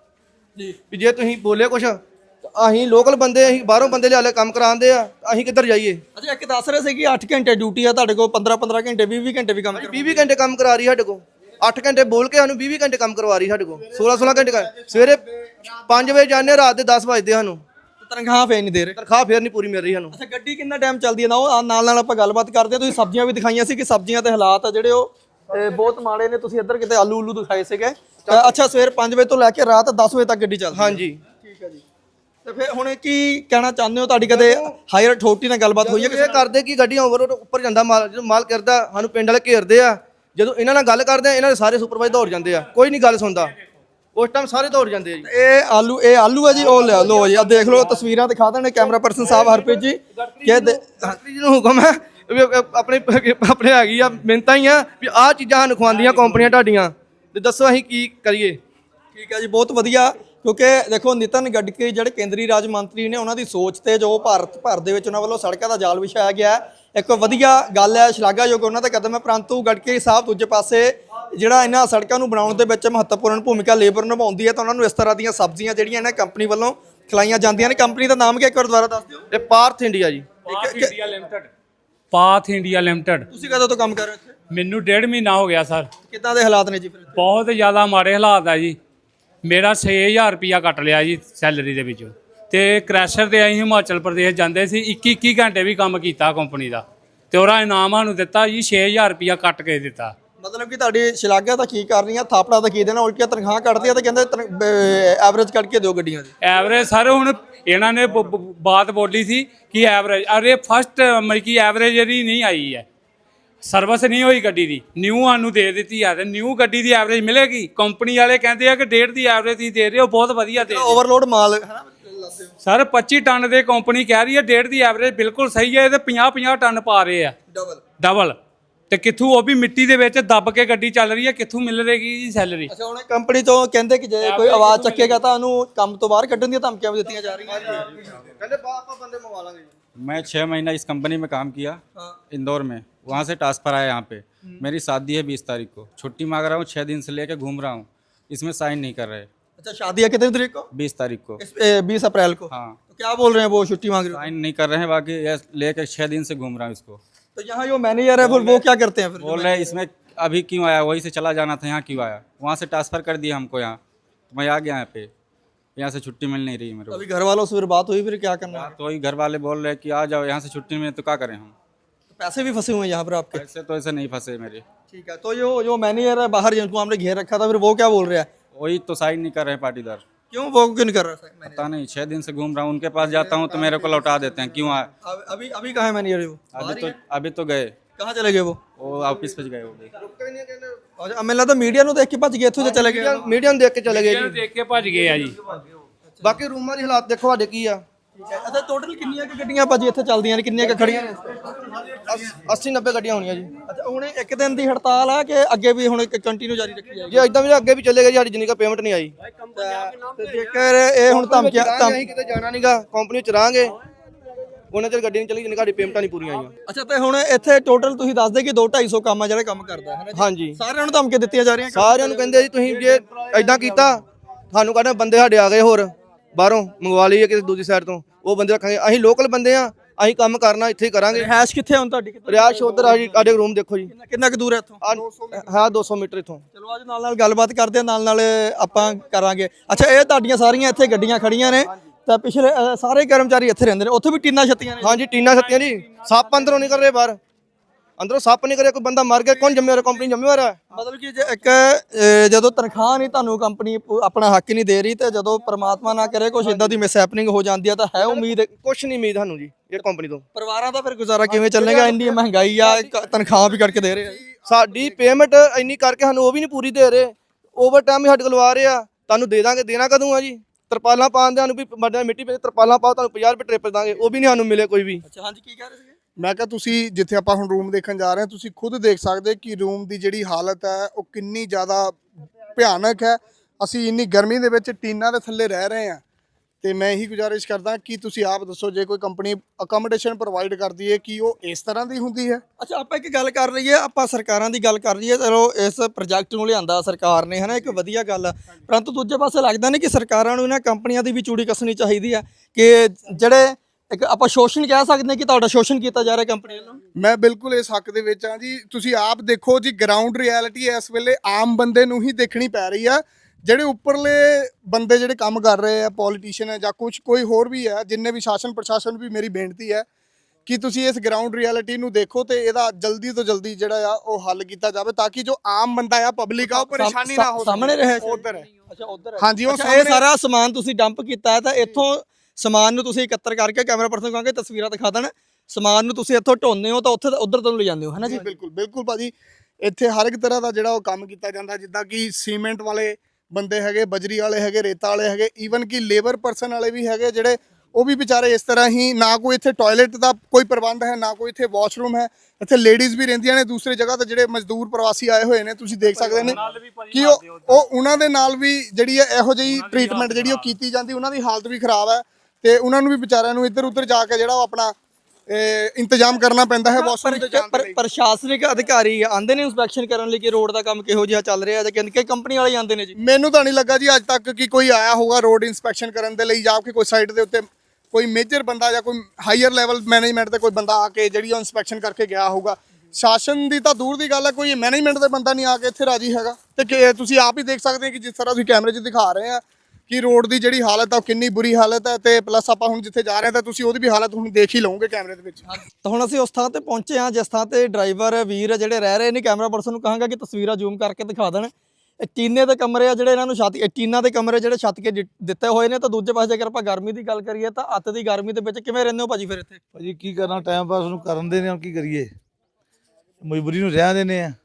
ਜੀ, ਵੀ ਜੇ ਤੁਸੀਂ ਬੋਲੇ ਕੁਛ ਤਾਂ ਅਸੀਂ ਲੋਕਲ ਬੰਦੇ, ਅਸੀਂ ਬਾਹਰੋਂ ਬੰਦੇ ਲਿਆ ਲੈ ਕੰਮ ਕਰਾਉਂਦੇ ਆ, ਅਸੀਂ ਕਿੱਧਰ ਜਾਈਏ।
ਅੱਛਾ, ਇੱਕ ਦੱਸ ਰਹੇ ਸੀ ਕਿ ਅੱਠ ਘੰਟੇ ਡਿਊਟੀ ਆ ਤੁਹਾਡੇ ਕੋਲ, ਪੰਦਰਾਂ ਪੰਦਰਾਂ ਘੰਟੇ ਵੀਹ ਵੀਹ ਘੰਟੇ ਵੀ ਕੰਮ
ਵੀਹ ਵੀਹ ਘੰਟੇ ਕੰਮ ਕਰਾ ਰਹੀ ਸਾਡੇ ਕੋਲ, ਅੱਠ ਘੰਟੇ ਬੋਲ ਕੇ ਸਾਨੂੰ ਵੀਹ ਵੀਹ ਘੰਟੇ ਕੰਮ ਕਰਵਾ ਰਹੀ ਸਾਡੇ ਕੋਲ, ਸੋਲਾਂ ਸੋਲਾਂ ਘੰਟੇ ਕਰ- ਸਵੇਰੇ ਪੰਜ ਵਜੇ ਜਾਂਦੇ, ਰਾਤ ਦੇ ਦਸ ਵਜਦੇ ਸਾਨੂੰ,
ਤਨਖਾਹ ਫੇਰ ਨਹੀਂ ਦੇ ਰਹੇ।
ਤਨਖਾਹ ਫੇਰ ਨਹੀਂ ਪੂਰੀ ਮਿਲ ਰਹੀ ਸਾਨੂੰ।
ਅੱਛਾ, ਗੱਡੀ ਕਿੰਨਾ ਟਾਈਮ ਚੱਲਦੀ ਹੈ ਨਾ, ਉਹ ਨਾਲ ਨਾਲ ਆਪਾਂ ਗੱਲਬਾਤ ਕਰਦੇ ਹਾਂ। ਤੁਸੀਂ ਸਬਜ਼ੀਆਂ ਵੀ ਦਿਖਾਈਆਂ ਸੀ ਕਿ ਸਬਜ਼ੀਆਂ ਦੇ ਹਾਲਾਤ ਆ ਜਿਹੜੇ ਉਹ ਅਹ, ਬਹੁਤ ਮਾੜੇ ਨੇ। ਤੁਸੀਂ ਇੱਧਰ ਕਿਤੇ ਆਲੂ ਉਲੂ ਦਿਖਾਏ ਸੀਗੇ। ਤਾਂ ਅੱਛਾ, ਸਵੇਰ ਪੰਜ ਵਜੇ ਤੋਂ ਲੈ ਕੇ ਰਾਤ ਦਸ ਵਜੇ ਤੱਕ ਗੱਡੀ ਚੱਲਦੀ ਹੈ।
ਹਾਂਜੀ
ਠੀਕ ਹੈ ਜੀ। ਤੇ ਫਿਰ ਹੁਣ ਕੀ ਕਹਿਣਾ ਚਾਹੁੰਦੇ ਹੋ? ਤੁਹਾਡੀ ਕਦੇ ਹਾਇਰ ਅਥਾਰਟੀ ਨਾਲ ਗੱਲਬਾਤ ਹੋਈ ਹੈ?
ਇਹ ਕਰਦੇ ਕਿ ਗੱਡੀਆਂ ਓਵਰ ਉੱਪਰ ਜਾਂਦਾ ਮਾਲ, ਜਦੋਂ ਮਾਲ ਕਰਦਾ ਸਾਨੂੰ ਪਿੰਡ ਵਾਲੇ ਘੇਰਦੇ ਆ, ਜਦੋਂ ਇਹਨਾਂ ਨਾਲ ਗੱਲ ਕਰਦੇ ਆ ਇਹਨਾਂ ਦੇ ਸਾਰੇ ਸੁਪਰਵਾਈਜ਼ਰ ਦੌੜ ਜਾਂਦੇ ਆ, ਕੋਈ ਨਹੀਂ ਗੱਲ ਸੁਣਦਾ, ਉਸ ਟਾਈਮ ਸਾਰੇ ਦੌੜ ਜਾਂਦੇ ਆ ਜੀ।
ਇਹ ਆਲੂ ਇਹ ਆਲੂ ਹੈ ਜੀ, ਉਹ ਲੈ ਲਓ ਜੀ, ਆ ਦੇਖ ਲਓ ਤਸਵੀਰਾਂ ਦਿਖਾ ਦੇਣੇ ਕੈਮਰਾ ਪਰਸਨ ਸਾਹਿਬ ਹਰਪ੍ਰੀਤ ਜੀ। ਕਿ ਦੇ-
ਗਡਕਰੀ ਜੀ ਨੂੰ ਹੁਕਮ ਹੈ ਵੀ ਆਪਣੇ ਆਪਣੇ ਹੈਗੀ ਆ ਮਿਹਨਤਾਂ ਹੀ ਆ ਵੀ ਆਹ ਚੀਜ਼ਾਂ ਸਾਨੂੰ ਖਵਾਉਂਦੀਆਂ ਕੰਪਨੀਆਂ ਤੁਹਾਡੀਆਂ, ਤੇ ਦੱਸੋ ਅਸੀਂ ਕੀ ਕਰੀਏ।
ਠੀਕ ਹੈ ਜੀ, ਬਹੁਤ ਵਧੀਆ। ਕਿਉਂਕਿ ਦੇਖੋ ਨਿਤਨ ਗਡਕਰੀ ਜਿਹੜੇ ਕੇਂਦਰੀ ਰਾਜ ਮੰਤਰੀ ਨੇ, ਉਹਨਾਂ ਦੀ ਸੋਚ ਤੇ ਜੋ ਭਾਰਤ ਭਰ ਦੇ ਵਿੱਚ ਉਹਨਾਂ ਵੱਲੋਂ ਸੜਕਾਂ ਦਾ ਜਾਲ ਵਿਛਾਇਆ ਗਿਆ ਹੈ, ਇੱਕ ਵਧੀਆ ਗੱਲ ਹੈ, ਸ਼ਲਾਘਾਯੋਗ ਉਹਨਾਂ ਦਾ ਕਦਮ ਹੈ। ਪਰੰਤੂ ਗਡਕਰੀ ਸਾਹਿਬ ਦੂਜੇ ਪਾਸੇ ਜਿਹੜਾ ਇਹਨਾਂ ਸੜਕਾਂ ਨੂੰ ਬਣਾਉਣ ਦੇ ਵਿੱਚ ਮਹੱਤਵਪੂਰਨ ਭੂਮਿਕਾ ਲੇਬਰ ਨਿਭਾਉਂਦੀ ਹੈ, ਤਾਂ ਉਹਨਾਂ ਨੂੰ ਇਸ ਤਰ੍ਹਾਂ ਦੀਆਂ ਸਬਜ਼ੀਆਂ ਜਿਹੜੀਆਂ ਇਹਨਾਂ ਕੰਪਨੀ ਵੱਲੋਂ ਖਿਲਾਈਆਂ ਜਾਂਦੀਆਂ ਨੇ। ਕੰਪਨੀ ਦਾ ਨਾਮ ਕੀ ਇੱਕ ਵਾਰ ਦੁਬਾਰਾ ਦੱਸ ਦਿਓ।
ਇਹ Parth India ji.
Path India limited Path India limited
ਤੁਸੀਂ ਕਦੋਂ ਤੋਂ ਕੰਮ ਕਰ ਰਹੇ ਹੋ ਇੱਥੇ?
ਮੈਨੂੰ ਡੇਢ ਮਹੀਨਾ ਹੋ ਗਿਆ ਸਰ।
ਕਿੱਦਾਂ ਦੇ ਹਾਲਾਤ ਨੇ ਜੀ ਫਿਰ?
ਬਹੁਤ ਜ਼ਿਆਦਾ ਮਾੜੇ ਹਾਲਾਤ ਆ ਜੀ। ਮੇਰਾ ਛੇ ਹਜ਼ਾਰ ਰੁਪਿਆ ਕੱਟ ਲਿਆ ਜੀ ਸੈਲਰੀ ਦੇ ਵਿੱਚੋਂ, ਤੇ ਕ੍ਰੈਸ਼ਰ ਤੇ ਅਸੀਂ ਹਿਮਾਚਲ ਪ੍ਰਦੇਸ਼ ਜਾਂਦੇ ਸੀ, ਇੱਕੀ ਇੱਕੀ ਘੰਟੇ ਵੀ ਕੰਮ ਕੀਤਾ ਕੰਪਨੀ ਦਾ, ਤੇ ਉਹਦਾ ਇਨਾਮ ਸਾਨੂੰ ਦਿੱਤਾ ਜੀ ਛੇ ਹਜ਼ਾਰ ਰੁਪਿਆ ਕੱਟ ਕੇ ਦਿੱਤਾ।
ਮਤਲਬ ਕਿ ਤੁਹਾਡੀ ਸ਼ਲਾਘਾ ਤਾਂ ਕੀ ਕਰ ਰਹੀਆਂ, ਥਾਪੜਾ ਤਾਂ ਕੀ ਦੇਣਾ, ਉਲਟੀਆਂ ਤਨਖਾਹ ਕੱਢਦੀ ਆ ਤੇ ਕਹਿੰਦੇ ਐਵਰੇਜ ਕੱਢ ਕੇ ਦਿਓ ਗੱਡੀਆਂ ਦੀ।
ਐਵਰੇਜ ਸਰ ਹੁਣ ਇਹਨਾਂ ਨੇ ਬ- ਬ- ਬਾਤ ਬੋਲੀ ਸੀ ਕਿ ਐਵਰੇਜ, ਅਰੇ ਫਸਟ ਮਤਲਬ ਕਿ ਐਵਰੇਜ ਇਹਦੀ ਨਹੀਂ ਆਈ ਹੈ, ਸਰਵਿਸ ਨਹੀਂ ਹੋਈ ਗੱਡੀ ਦੀ, ਨਿਊ ਸਾਨੂੰ ਦੇ ਦਿੱਤੀ ਆ, ਤੇ ਨਿਊ ਗੱਡੀ ਦੀ ਐਵਰੇਜ ਮਿਲੇਗੀ। ਕੰਪਨੀ ਵਾਲੇ ਕਹਿੰਦੇ ਆ ਕਿ ਡੇਢ ਦੀ ਐਵਰੇਜ ਤੁਸੀਂ ਦੇ ਰਹੇ ਹੋ, ਬਹੁਤ ਵਧੀਆ ਦੇ ਰਹੇ ਹੋ।
ਓਵਰਲੋਡ ਮਾਲ ਹੈ ਨਾ ਲਾਦੇ ਹੋ।
ਸਰ ਪੱਚੀ ਟਨ ਦੇ ਕੰਪਨੀ ਕਹਿ ਰਹੀ ਹੈ, ਡੇਢ ਦੀ ਐਵਰੇਜ ਬਿਲਕੁਲ ਸਹੀ ਹੈ, ਤੇ ਪੰਜਾਹ ਪੰਜਾਹ ਟਨ ਪਾ ਰਹੇ ਆ
ਡਬਲ।
ਡਬਲ, ਤੇ ਕਿੱਥੋਂ ਉਹ ਵੀ ਮਿੱਟੀ ਦੇ ਵਿੱਚ ਦੱਬ ਕੇ ਗੱਡੀ ਚੱਲ ਰਹੀ ਹੈ, ਕਿੱਥੋਂ ਮਿਲ ਰਹੇਗੀ ਜੀ ਸੈਲਰੀ।
ਅੱਛਾ, ਹੁਣ ਕੰਪਨੀ ਤੋਂ ਕਹਿੰਦੇ ਕਿ ਜੇ ਕੋਈ ਆਵਾਜ਼ ਚੱਕੇਗਾ ਤਾਂ ਉਹਨੂੰ ਕੰਮ ਤੋਂ ਬਾਹਰ ਕੱਢਣ ਦੀਆਂ ਧਮਕੀਆਂ ਵੀ ਦਿੱਤੀਆਂ ਜਾ ਰਹੀਆਂ।
ਕਹਿੰਦੇ ਬਾ ਆਪਾਂ ਬੰਦੇ ਮੰਗਵਾ ਲਾਂਗੇ ਜੀ।
मैं छः महीना इस कंपनी में काम किया इंदौर में, वहाँ से ट्रांसफ़र आया यहाँ पे। मेरी शादी है बीस तारीख को, छुट्टी मांग रहा हूँ, छः दिन से लेके घूम रहा हूँ, इसमें साइन नहीं कर रहे।
अच्छा, शादी है कितनी तारीख को?
बीस तारीख को।
बीस अप्रैल को।
हाँ,
तो क्या बोल रहे हैं वो, छुट्टी मांग रहे हो?
साइन नहीं कर रहे हैं, बाकी ये लेके छः दिन से घूम रहा हूँ इसको।
तो यहाँ जो मैनेजर है फिर वो क्या करते हैं फिर?
बोल रहे हैं इसमें अभी क्यों आया, वहीं से चला जाना था, यहाँ क्यों आया, वहाँ से ट्रांसफ़र कर दिया हमको यहाँ, तो मैं आ गया यहाँ पे, यहाँ से छुट्टी मिल नहीं रही है मेरे को।
अभी घर वालों से फिर बात हुई, फिर क्या करना है?
तो वही घर वाले बोल रहे हैं कि आ जाओ यहाँ से छुट्टी मिले, तो क्या करें हम।
पैसे भी फंसे हुए हैं यहाँ पर आपके।
ऐसे तो ऐसे नहीं फंसे मेरे।
ठीक है, तो जो जो मैनेजर है बाहर जिनको हमने घेर रखा था, फिर वो क्या बोल रहा है?
वही तो साइन नहीं कर रहे हैं पाटीदार।
क्यों वो क्यों नहीं कर रहा था?
पता नहीं, छः दिन से घूम रहा हूँ, उनके पास जाता हूँ तो मेरे को लौटा देते हैं, क्यों आए।
अब- अभी अभी कहाँ है मैनेजर वो?
अभी तो अभी तो गए,
कहाँ चले गए वो?
वो ऑफिस पे गए होंगे।
अच्छा, अब मैंने तो मीडिया ਨੂੰ ਦੇਖ ਕੇ ਭੱਜ ਗਏ ਇੱਥੋਂ, ਚਲੇ ਗਏ।
ਮੀਡੀਆ ਨੂੰ ਦੇਖ ਕੇ ਚਲੇ ਗਏ ਜੀ।
ਦੇਖ ਕੇ ਭੱਜ ਗਏ ਆ ਜੀ।
ਬਾਕੀ ਰੂਮਾਂ ਦੀ ਹਾਲਾਤ ਦੇਖੋ ਸਾਡੇ ਕੀ ਆ।
ਅੱਛਾ, ਟੋਟਲ ਕਿੰਨੀਆਂ ਕੁ ਗੱਡੀਆਂ ਭਾਜੀ ਇੱਥੇ ਚੱਲਦੀਆਂ ਨੇ, ਕਿੰਨੀਆਂ ਕੁ ਖੜੀਆਂ ਨੇ?
ਅੱਸੀ ਨੱਬੇ ਗੱਡੀਆਂ ਹੋਣੀਆਂ ਜੀ।
ਅੱਛਾ, ਹੁਣ ਇੱਕ ਦਿਨ ਦੀ ਹੜਤਾਲ ਆ ਕਿ ਅੱਗੇ ਵੀ ਹੁਣ ਕੰਟੀਨਿਊ ਜਾਰੀ ਰੱਖੀ ਜਾਏਗੀ?
ਜੇ ਇਦਾਂ ਵੀ ਅੱਗੇ ਵੀ ਚੱਲੇਗਾ ਜੀ, ਸਾਡੀ ਜਿੰਨੀ ਕਾ ਪੇਮੈਂਟ ਨਹੀਂ ਆਈ,
ਤੇ ਜੇਕਰ ਇਹ ਹੁਣ ਧਮਕੀਆਂ ਧਮ-
ਅਸੀਂ ਕਿਤੇ ਜਾਣਾ ਨਹੀਂਗਾ, ਕੰਪਨੀ ਚ ਰਹਾਂਗੇ, ਉਹਨਾਂ ਚਿਰ ਗੱਡੀ ਨਹੀਂ ਚੱਲੀ ਜਿੰਨੀ ਸਾਡੀ ਪੇਮੈਂਟਾਂ ਨਹੀਂ ਪੂਰੀਆਂ ਆਈਆਂ।
ਅੱਛਾ, ਤੇ ਹੁਣ ਇੱਥੇ ਟੋਟਲ ਤੁਸੀਂ ਦੱਸਦੇ ਕਿ ਦੋ ਢਾਈ ਸੌ ਕੰਮ ਆ ਜਿਹੜਾ ਕੰਮ ਕਰਦਾ ਹੈ ਨਾ ਜੀ?
ਹਾਂਜੀ,
ਸਾਰਿਆਂ ਨੂੰ ਧਮਕੀਆਂ ਦਿੱਤੀਆਂ ਜਾ ਰਹੀਆਂ?
ਸਾਰਿਆਂ ਨੂੰ ਕਹਿੰਦੇ ਜੀ ਤੁਸੀਂ ਜੇ ਇਦਾਂ ਕੀਤਾ, ਸਾਨੂੰ ਕਹਿੰਦੇ ਬੰਦੇ ਸਾਡੇ ਆ ਗਏ ਹੋਰ ਬਾਹਰੋਂ ਮੰਗਵਾ ਲਈਏ ਕਿਸੇ ਦੂਜੀ ਸਾਈਡ ਤੋਂ, ਉਹ ਬੰਦੇ ਰੱਖਾਂਗੇ। ਅਸੀਂ ਲੋਕਲ ਬੰਦੇ ਆ, ਅਸੀਂ ਕੰਮ ਕਰਨਾ ਇੱਥੇ ਹੀ ਕਰਾਂਗੇ।
ਰਿਹਾਇਸ਼ ਕਿੱਥੇ ਹੁਣ ਤੁਹਾਡੀ? ਕਿੱਥੇ?
ਰਿਆਸ਼ ਉਧਰ ਆ ਜੀ, ਸਾਡੇ ਰੂਮ ਦੇਖੋ ਜੀ,
ਕਿੰਨਾ- ਕਿੰਨਾ ਕੁ ਦੂਰ ਹੈ ਇੱਥੋਂ?
ਆਹ ਹਾਂ ਦੋ ਸੌ ਮੀਟਰ ਇੱਥੋਂ।
ਚਲੋ ਅੱਜ ਨਾਲ ਨਾਲ ਗੱਲਬਾਤ ਕਰਦੇ ਹਾਂ, ਨਾਲ ਨਾਲ ਆਪਾਂ ਕਰਾਂਗੇ। ਅੱਛਾ, ਇਹ ਤੁਹਾਡੀਆਂ ਸਾਰੀਆਂ ਇੱਥੇ ਗੱਡੀਆਂ ਖੜੀਆਂ ਨੇ, ਤਾਂ ਪਿਛਲੇ ਅ, ਸਾਰੇ ਕਰਮਚਾਰੀ ਇੱਥੇ ਰਹਿੰਦੇ ਨੇ, ਉੱਥੇ ਵੀ ਟੀਨਾਂ ਛੱਤੀਆਂ ਨੇ?
ਹਾਂਜੀ, ਟੀਨਾਂ ਛੱਤੀਆਂ ਜੀ, ਸੱਪ ਅੰਦਰੋਂ ਨਿਕਲ ਰਹੇ ਬਾਹਰ, ਅੰਦਰੋਂ ਸੱਪ ਨਿਕਲ ਰਿਹਾ, ਕੋਈ ਬੰਦਾ ਮਰ ਗਿਆ, ਕੌਣ ਜ਼ਿੰਮੇਵਾਰ? ਕੰਪਨੀ ਜ਼ਿੰਮੇਵਾਰ ਹੈ।
ਮਤਲਬ ਕਿ ਜੇ ਇੱਕ ਅ, ਜਦੋਂ ਤਨਖਾਹ ਨਹੀਂ ਤੁਹਾਨੂੰ ਕੰਪਨੀ ਪ- ਆਪਣਾ ਹੱਕ ਨਹੀਂ ਦੇ ਰਹੀ, ਤੇ ਜਦੋਂ ਪ੍ਰਮਾਤਮਾ ਨਾ ਕਰੇ ਕੁਝ ਇਦਾਂ ਦੀ ਮਿਸ ਹੈਪਨਿੰਗ ਹੋ ਜਾਂਦੀ ਆ, ਤਾਂ ਹੈ ਉਮੀਦ?
ਕੁਛ ਨਹੀਂ ਉਮੀਦ ਸਾਨੂੰ ਜੀ ਇਹ ਕੰਪਨੀ ਤੋਂ।
ਪਰਿਵਾਰਾਂ ਦਾ ਫਿਰ ਗੁਜ਼ਾਰਾ ਕਿਵੇਂ ਚੱਲੇਗਾ? ਇੰਨੀ ਮਹਿੰਗਾਈ ਆ, ਕ- ਤਨਖਾਹ ਵੀ ਕਰਕੇ ਦੇ ਰਹੇ ਆ।
ਸਾਡੀ ਪੇਮੈਂਟ ਇੰਨੀ ਕਰਕੇ ਸਾਨੂੰ ਉਹ ਵੀ ਨਹੀਂ ਪੂਰੀ ਦੇ ਰਹੇ, ਓਵਰ ਟਾਈਮ ਵੀ ਸਾਡੇ ਕੋਲ ਆ ਰਹੇ ਆ, ਤੁਹਾਨੂੰ ਦੇ ਦਾਂਗੇ, ਦੇਣਾ ਕਦੋਂ ਆ ਜੀ? ਤਰਪਾਲਾਂ ਪਾਉਣ ਦੇ ਸਾਨੂੰ ਵੀ ਮਰਦੇ ਮਿੱਟੀ ਪੈ ਤਰਪਾਲਾਂ ਪਾਓ ਤੁਹਾਨੂੰ ਪੰਜਾਹ ਰੁਪਏ ਟ੍ਰਿਪ ਦਾਂਗੇ, ਉਹ ਵੀ ਨਹੀਂ ਸਾਨੂੰ ਮਿਲੇ ਕੋਈ ਵੀ।
ਅੱਛਾ ਹਾਂਜੀ ਕੀ ਕਹਿ ਰਹੇ ਸੀਗੇ?
ਮੈਂ ਕਿਹਾ ਤੁਸੀਂ ਜਿੱਥੇ ਆਪਾਂ ਹੁਣ ਰੂਮ ਦੇਖਣ ਜਾ ਰਹੇ ਹਾਂ ਤੁਸੀਂ ਖੁਦ ਦੇਖ ਸਕਦੇ ਕਿ ਰੂਮ ਦੀ ਜਿਹੜੀ ਹਾਲਤ ਹੈ ਉਹ ਕਿੰਨੀ ਜ਼ਿਆਦਾ ਭਿਆਨਕ ਹੈ। ਅਸੀਂ ਇੰਨੀ ਗਰਮੀ ਦੇ ਵਿੱਚ ਟੀਨਾਂ ਦੇ ਥੱਲੇ ਰਹਿ ਰਹੇ ਹਾਂ ਤੇ ਮੈਂ ਇਹੀ ਗੁਜ਼ਾਰਿਸ਼ ਕਰਦਾ ਕਿ ਤੁਸੀਂ ਆਪ ਦੱਸੋ ਜੇ ਕੋਈ ਕੰਪਨੀ ਅਕਮੋਡੇਸ਼ਨ ਪ੍ਰੋਵਾਈਡ ਕਰਦੀ ਹੈ ਕਿ ਉਹ ਇਸ ਤਰ੍ਹਾਂ ਦੀ ਹੁੰਦੀ ਹੈ।
ਅੱਛਾ ਆਪਾਂ ਇੱਕ ਗੱਲ ਕਰ ਲਈਏ, ਆਪਾਂ ਸਰਕਾਰਾਂ ਦੀ ਗੱਲ ਕਰ ਲਈਏ, ਚਲੋ ਇਸ ਪ੍ਰੋਜੈਕਟ ਨੂੰ ਲਿਆਂਦਾ ਸਰਕਾਰ ਨੇ ਹਨਾ, ਇੱਕ ਵਧੀਆ ਗੱਲ ਆ, ਪਰੰਤੂ ਦੂਜੇ ਪਾਸੇ ਲੱਗਦਾ ਨਹੀਂ ਕਿ ਸਰਕਾਰਾਂ ਨੂੰ ਇਹਨਾਂ ਕੰਪਨੀਆਂ ਦੀ ਵੀ ਚੂੜੀ ਕੱਸਣੀ ਚਾਹੀਦੀ ਆ ਕਿ ਜਿਹੜੇ ਇੱਕ ਆਪਾਂ ਸ਼ੋਸ਼ਣ ਕਹਿ ਸਕਦੇ ਹਾਂ ਕਿ ਤੁਹਾਡਾ ਸ਼ੋਸ਼ਣ ਕੀਤਾ ਜਾ ਰਿਹਾ ਕੰਪਨੀ ਵੱਲੋਂ।
ਮੈਂ ਬਿਲਕੁਲ ਇਸ ਹੱਕ ਦੇ ਵਿੱਚ ਹਾਂ ਜੀ। ਤੁਸੀਂ ਆਪ ਦੇਖੋ ਜੀ ਗਰਾਊਂਡ ਰਿਐਲਿਟੀ ਇਸ ਵੇਲੇ ਆਮ ਬੰਦੇ ਨੂੰ ਹੀ ਦੇਖਣੀ ਪੈ ਰਹੀ ਆ। ਜਿਹੜੇ ਉੱਪਰਲੇ ਬੰਦੇ ਜਿਹੜੇ ਕੰਮ ਕਰ ਰਹੇ ਆ, ਪੋਲੀਟੀਸ਼ੀਅਨ ਹੈ ਜਾਂ ਕੁਝ ਕੋਈ ਹੋਰ ਵੀ ਹੈ, ਜਿੰਨੇ ਵੀ ਸ਼ਾਸਨ ਪ੍ਰਸ਼ਾਸਨ ਵੀ ਮੇਰੀ ਬੇਨਤੀ ਹੈ ਕਿ ਤੁਸੀਂ ਇਸ ਗਰਾਊਂਡ ਰਿਐਲਿਟੀ ਨੂੰ ਦੇਖੋ ਤੇ ਇਹਦਾ ਜਲਦੀ ਤੋਂ ਜਲਦੀ ਜਿਹੜਾ ਆ ਉਹ ਹੱਲ ਕੀਤਾ ਜਾਵੇ ਤਾਂ ਕਿ ਜੋ ਆਮ ਬੰਦਾ ਆ ਪਬਲਿਕ ਆ ਉਹ ਪਰੇਸ਼ਾਨੀ ਨਾ ਹੋ।
ਸਾਹਮਣੇ ਰਹੇ
ਉਧਰ ਹੈ।
ਅੱਛਾ ਉਧਰ
ਹਾਂਜੀ ਉਹ
ਇਹ ਸਾਰਾ ਸਮਾਨ ਤੁਸੀਂ ਡੰਪ ਕੀਤਾ ਹੈ ਤਾਂ ਇੱਥੋਂ ਸਮਾਨ ਨੂੰ ਤੁਸੀਂ ਇਕੱਤਰ ਕਰਕੇ ਕੈਮਰਾ ਪਰਸਨ ਕਹਾਂਗੇ ਤਸਵੀਰਾਂ ਦਿਖਾ ਦੇਣ, ਸਮਾਨ ਨੂੰ ਤੁਸੀਂ ਇੱਥੋਂ ਢੋਂਦੇ ਹੋ ਤਾਂ ਉੱਥੇ ਉਧਰ ਤੋਂ ਲੈ ਜਾਂਦੇ ਹੋ ਹਨਾ ਜੀ।
ਬਿਲਕੁਲ ਬਿਲਕੁਲ ਭਾਜੀ, ਇੱਥੇ ਹਰ ਇੱਕ ਤਰ੍ਹਾਂ ਦਾ ਜਿਹੜਾ ਉਹ ਕੰਮ ਕੀਤਾ ਜਾਂਦਾ, ਜਿੱਦਾਂ ਕਿ ਸੀਮੈਂਟ ਵਾਲੇ ਬੰਦੇ ਹੈਗੇ, ਬਜਰੀ ਵਾਲੇ ਹੈਗੇ, ਰੇਤਾ ਵਾਲੇ ਹੈਗੇ, ਈਵਨ ਕਿ ਲੇਬਰ ਪਰਸਨ ਵਾਲੇ ਵੀ ਹੈਗੇ ਜਿਹੜੇ ਉਹ ਵੀ ਵਿਚਾਰੇ ਇਸ ਤਰ੍ਹਾਂ ਹੀ, ਨਾ ਕੋਈ ਇੱਥੇ ਟਾਇਲਟ ਦਾ ਕੋਈ ਪ੍ਰਬੰਧ ਹੈ, ਨਾ ਕੋਈ ਇੱਥੇ ਵਾਸ਼ਰੂਮ ਹੈ। ਇੱਥੇ ਲੇਡੀਜ਼ ਵੀ ਰਹਿੰਦੀਆਂ ਨੇ ਦੂਸਰੀ ਜਗ੍ਹਾ ਤੇ, ਜਿਹੜੇ ਮਜ਼ਦੂਰ ਪ੍ਰਵਾਸੀ ਆਏ ਹੋਏ ਨੇ ਤੁਸੀਂ ਦੇਖ ਸਕਦੇ ਨੇ ਕਿ ਉਹ ਉਹ ਉਹਨਾਂ ਦੇ ਨਾਲ ਵੀ ਜਿਹੜੀ ਹੈ ਇਹੋ ਜਿਹੀ ਟ੍ਰੀਟਮੈਂਟ ਜਿਹੜੀ ਉਹ ਕੀਤੀ ਜਾਂਦੀ, ਉਹਨਾਂ ਦੀ ਹਾਲਤ ਵੀ ਖਰਾਬ ਹੈ ਤੇ ਉਹਨਾਂ ਨੂੰ ਵੀ ਵਿਚਾਰਿਆਂ ਨੂੰ ਇੱਧਰ ਉੱਧਰ ਜਾ ਕੇ ਜਿਹੜਾ ਉਹ ਆਪਣਾ ਇਹ ਇੰਤਜ਼ਾਮ ਕਰਨਾ ਪੈਂਦਾ ਹੈ ਵਾਸ਼ਰੂਮ ਤੇ ਜਾਣ ਦੇ ਲਈ।
ਪ੍ਰਸ਼ਾਸਨਿਕ ਅਧਿਕਾਰੀ ਆਂਦੇ ਨੇ ਇੰਸਪੈਕਸ਼ਨ ਕਰਨ ਲਈ ਕਿ ਰੋਡ ਦਾ ਕੰਮ ਕਿਹੋ ਜਿਹਾ ਚੱਲ ਰਿਹਾ ਜਾਂ ਕਹਿੰਦੇ ਕਿ ਕੰਪਨੀ ਵਾਲੇ ਆਂਦੇ ਨੇ ਜੀ?
ਮੈਨੂੰ ਤਾਂ ਨਹੀਂ ਲੱਗਾ ਜੀ ਅੱਜ ਤੱਕ ਕਿ ਕੋਈ ਆਇਆ ਹੋਊਗਾ ਰੋਡ ਇੰਸਪੈਕਸ਼ਨ ਕਰਨ ਦੇ ਲਈ ਜਾਂ ਕਿ ਕੋਈ ਸਾਈਡ ਦੇ ਉੱਤੇ ਕੋਈ ਮੇਜਰ ਬੰਦਾ ਜਾਂ ਕੋਈ ਹਾਈਅਰ ਲੈਵਲ ਮੈਨੇਜਮੈਂਟ ਤੇ ਕੋਈ ਬੰਦਾ ਆ ਕੇ ਜਿਹੜੀ ਉਹ ਇੰਸਪੈਕਸ਼ਨ ਕਰਕੇ ਗਿਆ ਹੋਊਗਾ। ਸ਼ਾਸਨ ਦੀ ਤਾਂ ਦੂਰ ਦੀ ਗੱਲ ਹੈ, ਕੋਈ ਮੈਨੇਜਮੈਂਟ ਦਾ ਬੰਦਾ ਨਹੀਂ ਆ ਕੇ ਇੱਥੇ ਰਾਜੀ ਹੈਗਾ। ਤੇ ਕਿ ਤੁਸੀਂ ਆਪ ਹੀ ਦੇਖ ਸਕਦੇ ਹੋ ਕਿ ਜਿਸ ਤਰ੍ਹਾਂ ਤੁਸੀਂ ਕੈਮਰੇ 'ਚ ਦਿਖਾ ਰਹੇ ਆ ਕਿ ਰੋਡ ਦੀ ਜਿਹੜੀ ਹਾਲਤ ਆ ਉਹ ਕਿੰਨੀ ਬੁਰੀ ਹਾਲਤ ਹੈ ਤੇ ਪਲੱਸ ਆਪਾਂ ਹੁਣ ਜਿੱਥੇ ਜਾ ਰਹੇ ਤਾਂ ਤੁਸੀਂ ਉਹਦੀ ਵੀ ਹਾਲਤ ਹੁਣ ਦੇਖ ਹੀ ਲਓਗੇ ਕੈਮਰੇ ਦੇ ਵਿੱਚ।
ਤਾਂ ਹੁਣ ਅਸੀਂ ਉਸ ਥਾਂ ਤੇ ਪਹੁੰਚੇ ਹਾਂ ਜਿਸ ਥਾਂ ਤੇ ਡਰਾਈਵਰ ਵੀਰ ਜਿਹੜੇ ਰਹਿ ਰਹੇ ਨੇ, ਕੈਮਰਾ ਪਰਸਨ ਨੂੰ ਕਹਾਂਗਾ ਕਿ ਤਸਵੀਰਾਂ ਜ਼ੂਮ ਕਰਕੇ ਦਿਖਾ ਦੇਣ। ਇਹ ਟੀਨੇ ਦੇ ਕਮਰੇ ਆ ਜਿਹੜੇ ਇਹਨਾਂ ਨੂੰ ਛੱਤ, ਇਹ ਟੀਨਾ ਦੇ ਕਮਰੇ ਜਿਹੜੇ ਛੱਤ ਕੇ ਦਿ- ਦਿੱਤੇ ਹੋਏ ਨੇ। ਤਾਂ ਦੂਜੇ ਪਾਸੇ ਜੇਕਰ ਆਪਾਂ ਗਰਮੀ ਦੀ ਗੱਲ ਕਰੀਏ ਤਾਂ ਅੱਤ ਦੀ ਗਰਮੀ ਦੇ ਵਿੱਚ ਕਿਵੇਂ ਰਹਿੰਦੇ ਹੋ ਭਾਜੀ ਫਿਰ ਇੱਥੇ?
ਭਾਜੀ ਕੀ ਕਰਨਾ, ਟਾਈਮ ਪਾਸ ਨੂੰ ਕਰਨ ਦੇ ਨੇ, ਹੁਣ ਕੀ ਕਰੀਏ, ਮਜਬੂਰੀ ਨੂੰ ਰਹਿ ਦਿੰਦੇ ਆ।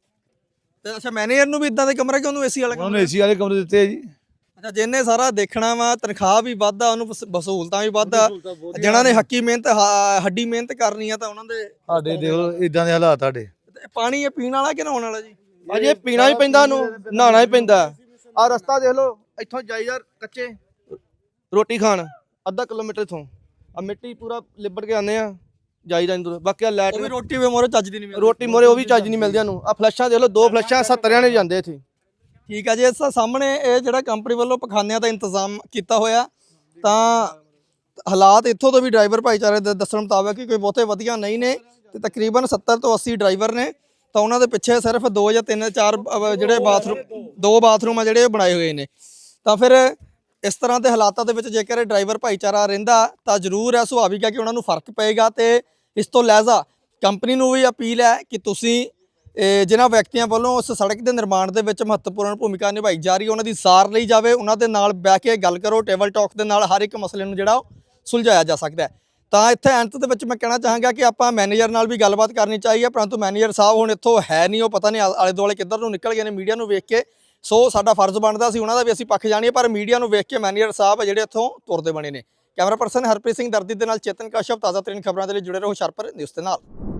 ਤੇ ਅੱਛਾ ਮੈਨੇਜਰ ਨੂੰ ਵੀ ਇਦਾਂ ਦੇ ਕਮਰੇ ਕਿ ਉਹਨੂੰ ਏਸੀ ਵਾਲਾ
ਉਹਨਾਂ
ਕਮਰਾ?
ਨੂੰ ਏਸੀ ਵਾਲੇ ਕਮਰੇ ਦਿੱਤੇ ਆ ਜੀ।
ਅੱਛਾ ਜਿਹਨੇ ਸਾਰਾ ਦੇਖਣਾ ਵਾ, ਤਨਖਾਹ ਵੀ ਵੱਧ ਆ, ਉਹਨੂੰ ਵਸ- ਵਸੂਲਤਾਂ ਵੀ ਵੱਧ ਆ। ਜਿਹਨਾਂ ਨੇ ਹੱਕੀ ਮਿਹਨਤ ਹ- ਹੱਡੀ ਮਿਹਨਤ ਕਰਨੀ ਆ ਤਾਂ ਉਹਨਾਂ ਦੇ
ਸਾਡੇ ਦੇਖ ਲਓ ਇਦਾਂ ਦੇ ਹਾਲਾਤ ਸਾਡੇ।
ਤੇ ਪਾਣੀ ਇਹ ਪੀਣ ਵਾਲਾ ਕਿ ਨਹਾਉਣ ਵਾਲਾ ਜੀ?
ਭਾਜੀ ਇਹ ਪੀਣਾ ਵੀ ਪੈਂਦਾ, ਨੂੰ ਨਹਾਉਣਾ ਵੀ ਪੈਂਦਾ। ਆ ਰਸਤਾ ਦੇਖ ਲਓ, ਇੱਥੋਂ ਜਾਈਦਾ ਕੱਚੇ ਰੋਟੀ ਖਾਣ ਅੱਧਾ ਕਿਲੋਮੀਟਰ ਇਥੋਂ ਆ ਮਿੱਟੀ ਪੂਰਾ ਲਿਬੜ ਕੇ ਆਉਂਦੇ ਆ ਜਾਈਦਾ ਇੰਦਰ। ਬਾਕੀ ਆ ਲੈਟ
ਉਹ ਵੀ ਰੋਟੀ ਵੀ ਮੋਰੇ ਚੱਜ ਦੀ ਨਹੀਂ ਮਿਲਦੀ।
ਰੋਟੀ ਮੋਰੇ ਉਹ ਵੀ ਚੱਜ ਨਹੀਂ ਮਿਲਦੀ ਨੂੰ। ਆ ਫਲੈਸ਼ਾਂ ਦੇਖ ਲਓ, ਦੋ ਫਲੈਸ਼ਾਂ ਸੱਤਰ ਜਾਣੇ ਜਾਂਦੇ ਇੱਥੇ।
ਠੀਕ ਆ ਜੀ, ਇਸ ਸਾਹਮਣੇ ਇਹ ਜਿਹੜਾ ਕੰਪਨੀ ਵੱਲੋਂ ਪਖਾਨਿਆਂ ਦਾ ਇੰਤਜ਼ਾਮ ਕੀਤਾ ਹੋਇਆ ਤਾਂ ਹਾਲਾਤ ਇੱਥੋਂ ਤੋਂ ਵੀ ਡਰਾਈਵਰ ਭਾਈਚਾਰੇ ਦੇ ਦੱਸਣ ਮੁਤਾਬਕ ਕਿ ਕੋਈ ਬਹੁਤੇ ਵਧੀਆ ਨਹੀਂ ਨੇ ਤੇ ਤਕਰੀਬਨ ਸੱਤਰ ਤੋਂ ਅੱਸੀ ਡਰਾਈਵਰ ਨੇ। ਤਾਂ ਉਹਨਾਂ ਦੇ ਪਿੱਛੇ ਸਿਰਫ ਦੋ ਜਾਂ ਤਿੰਨ ਚਾਰ ਅਹ ਜਿਹੜੇ ਬਾਥਰੂਮ ਦੋ ਬਾਥਰੂਮ ਆ ਜਿਹੜੇ ਉਹ ਬਣਾਏ ਹੋਏ ਨੇ। ਤਾਂ ਫਿਰ ਇਸ ਤਰ੍ਹਾਂ ਦੇ ਹਾਲਾਤਾਂ ਦੇ ਵਿੱਚ ਜੇਕਰ ਇਹ ਡਰਾਈਵਰ ਭਾਈਚਾਰਾ ਰਹਿੰਦਾ ਤਾਂ ਜ਼ਰੂਰ ਹੈ, ਸੁਭਾਵਿਕ ਹੈ ਕਿ ਉਹਨਾਂ ਨੂੰ ਫਰਕ ਪਏਗਾ। ਤੇ ਇਸ ਤੋਂ ਲਹਿਜ਼ਾ ਕੰਪਨੀ ਨੂੰ ਵੀ ਅਪੀਲ ਹੈ ਕਿ ਤੁਸੀਂ ਇਹ ਜਿਨ੍ਹਾਂ ਵਿਅਕਤੀਆਂ ਵੱਲੋਂ ਉਸ ਸੜਕ ਦੇ ਨਿਰਮਾਣ ਦੇ ਵਿੱਚ ਮਹੱਤਵਪੂਰਨ ਭੂਮਿਕਾ ਨਿਭਾਈ ਜਾ ਰਹੀ ਹੈ ਉਹਨਾਂ ਦੀ ਸਾਰ ਲਈ ਜਾਵੇ, ਉਹਨਾਂ ਦੇ ਨਾਲ ਬਹਿ ਕੇ ਗੱਲ ਕਰੋ। ਟੇਬਲ ਟਾਕ ਦੇ ਨਾਲ ਹਰ ਇੱਕ ਮਸਲੇ ਨੂੰ ਜਿਹੜਾ ਉਹ ਸੁਲਝਾਇਆ ਜਾ ਸਕਦਾ ਹੈ। ਤਾਂ ਇੱਥੇ ਅੰਤ ਦੇ ਵਿੱਚ ਮੈਂ ਕਹਿਣਾ ਚਾਹਾਂਗਾ ਕਿ ਆਪਾਂ ਮੈਨੇਜਰ ਨਾਲ ਵੀ ਗੱਲਬਾਤ ਕਰਨੀ ਚਾਹੀਏ, ਪਰੰਤੂ ਮੈਨੇਜਰ ਸਾਹਿਬ ਹੁਣ ਇੱਥੋਂ ਹੈ ਨਹੀਂ, ਉਹ ਪਤਾ ਨਹੀਂ ਆਲੇ ਦੁਆਲੇ ਕਿੱਧਰ ਨੂੰ ਨਿਕਲ ਗਏ ਨੇ ਮੀਡੀਆ ਨੂੰ ਵੇਖ ਕੇ। ਸੋ ਸਾਡਾ ਫਰਜ਼ ਬਣਦਾ ਸੀ ਉਹਨਾਂ ਦਾ ਵੀ ਅਸੀਂ ਪੱਖ ਜਾਣੀਏ, ਪਰ ਮੀਡੀਆ ਨੂੰ ਵੇਖ ਕੇ ਮੈਨੇਜਰ ਸਾਹਿਬ ਜਿਹੜੇ ਇੱਥੋਂ ਤੁਰਦੇ ਬਣੇ ਨੇ। ਕੈਮਰਾ ਪਰਸਨ ਹਰਪ੍ਰੀਤ ਸਿੰਘ ਦਰਦੀ ਦੇ ਨਾਲ ਚੇਤਨ ਕਸ਼ਪ, ਤਾਜ਼ਾ ਤਰੀਨ ਖਬਰਾਂ ਦੇ ਲਈ ਜੁੜੇ ਰਹੋ ਹੁਸ਼ਿਆਰਪੁਰ ਨਿਊਜ਼ ਦੇ ਨਾਲ।